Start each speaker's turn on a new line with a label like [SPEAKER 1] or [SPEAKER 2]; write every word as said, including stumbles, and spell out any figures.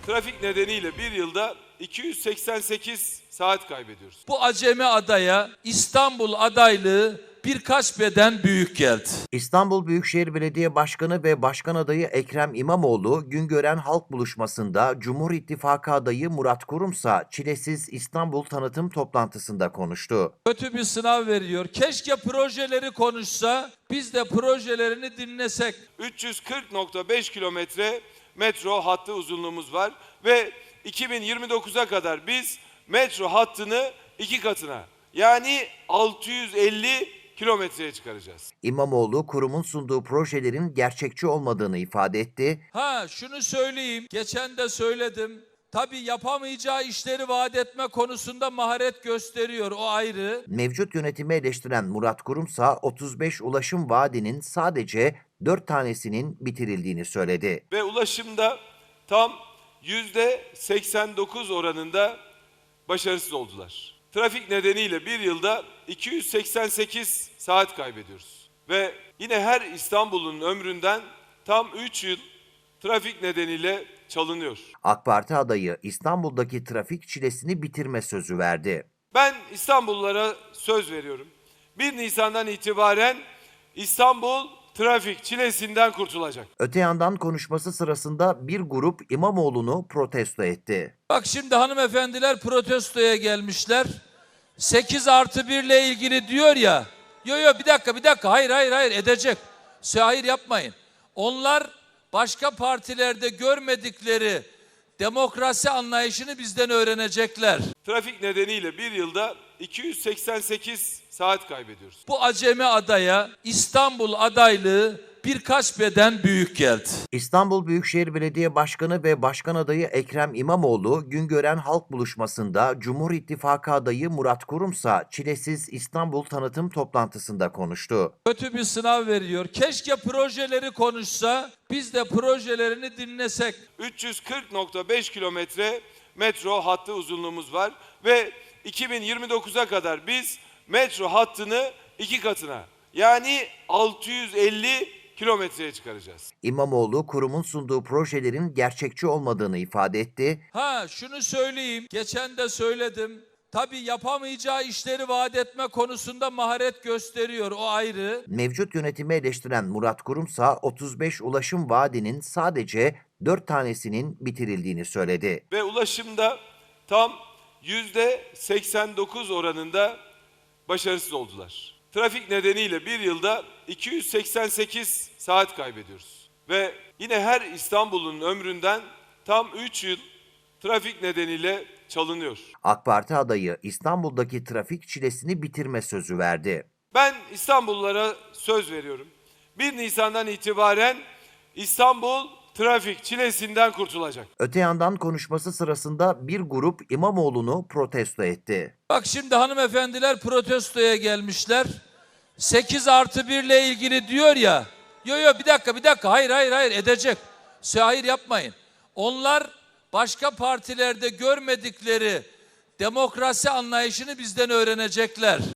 [SPEAKER 1] Trafik nedeniyle bir yılda iki yüz seksen sekiz saat kaybediyoruz.
[SPEAKER 2] Bu acemi adaya İstanbul adaylığı birkaç beden büyük geldi.
[SPEAKER 3] İstanbul Büyükşehir Belediye Başkanı ve Başkan adayı Ekrem İmamoğlu, Güngören Halk Buluşması'nda Cumhur İttifakı adayı Murat Kurumsa, Çilesiz İstanbul tanıtım toplantısında konuştu.
[SPEAKER 2] Kötü bir sınav veriyor. Keşke projeleri konuşsa, biz de projelerini dinlesek.
[SPEAKER 1] üç yüz kırk nokta beş kilometre metro hattı uzunluğumuz var ve iki bin yirmi dokuza kadar biz metro hattını iki katına, yani altı yüz elli kilometreye çıkaracağız.
[SPEAKER 3] İmamoğlu, kurumun sunduğu projelerin gerçekçi olmadığını ifade etti.
[SPEAKER 2] Ha şunu söyleyeyim, geçen de söyledim. Tabii yapamayacağı işleri vaat etme konusunda maharet gösteriyor, o ayrı.
[SPEAKER 3] Mevcut yönetimi eleştiren Murat Kurumsa, otuz beş ulaşım vaadinin sadece dört tanesinin bitirildiğini söyledi.
[SPEAKER 1] Ve ulaşımda tam yüzde seksen dokuz oranında başarısız oldular. Trafik nedeniyle bir yılda iki yüz seksen sekiz saat kaybediyoruz. Ve yine her İstanbul'un ömründen tam üç yıl trafik nedeniyle çalınıyor.
[SPEAKER 3] AK Parti adayı İstanbul'daki trafik çilesini bitirme sözü verdi.
[SPEAKER 1] Ben İstanbullulara söz veriyorum. bir Nisan'dan itibaren İstanbul trafik çilesinden kurtulacak.
[SPEAKER 3] Öte yandan konuşması sırasında bir grup İmamoğlu'nu protesto etti.
[SPEAKER 2] Bak şimdi hanımefendiler protestoya gelmişler. sekiz artı bir ile ilgili diyor ya. Yo yo bir dakika bir dakika hayır hayır hayır edecek. Hayır yapmayın. Onlar başka partilerde görmedikleri demokrasi anlayışını bizden öğrenecekler.
[SPEAKER 1] Trafik nedeniyle bir yılda iki yüz seksen sekiz saat kaybediyoruz.
[SPEAKER 2] Bu acemi adaya İstanbul adaylığı birkaç beden büyük geldi.
[SPEAKER 3] İstanbul Büyükşehir Belediye Başkanı ve Başkan adayı Ekrem İmamoğlu, Güngören Halk Buluşması'nda Cumhur İttifakı adayı Murat Kurumsa, Çilesiz İstanbul tanıtım toplantısında konuştu.
[SPEAKER 2] Kötü bir sınav veriyor. Keşke projeleri konuşsa, biz de projelerini dinlesek.
[SPEAKER 1] üç yüz kırk nokta beş kilometre metro hattı uzunluğumuz var ve iki bin yirmi dokuza kadar biz metro hattını iki katına, yani altı yüz elli kilometreye çıkaracağız.
[SPEAKER 3] İmamoğlu, kurumun sunduğu projelerin gerçekçi olmadığını ifade etti.
[SPEAKER 2] Ha şunu söyleyeyim, geçen de söyledim. Tabii yapamayacağı işleri vaat etme konusunda maharet gösteriyor, o ayrı.
[SPEAKER 3] Mevcut yönetimi eleştiren Murat Kurumsa, otuz beş ulaşım vaadinin sadece dört tanesinin bitirildiğini söyledi.
[SPEAKER 1] Ve ulaşımda tam yüzde seksen dokuz oranında başarısız oldular. Trafik nedeniyle bir yılda iki yüz seksen sekiz saat kaybediyoruz. Ve yine her İstanbul'un ömründen tam üç yıl trafik nedeniyle çalınıyor.
[SPEAKER 3] AK Parti adayı İstanbul'daki trafik çilesini bitirme sözü verdi.
[SPEAKER 1] Ben İstanbullulara söz veriyorum. bir Nisan'dan itibaren İstanbul trafik çilesinden kurtulacak.
[SPEAKER 3] Öte yandan konuşması sırasında bir grup İmamoğlu'nu protesto etti.
[SPEAKER 2] Bak şimdi hanımefendiler protestoya gelmişler. sekiz artı bir ile ilgili diyor ya. Yo yo bir dakika bir dakika hayır hayır hayır edecek. Hayır yapmayın. Onlar başka partilerde görmedikleri demokrasi anlayışını bizden öğrenecekler.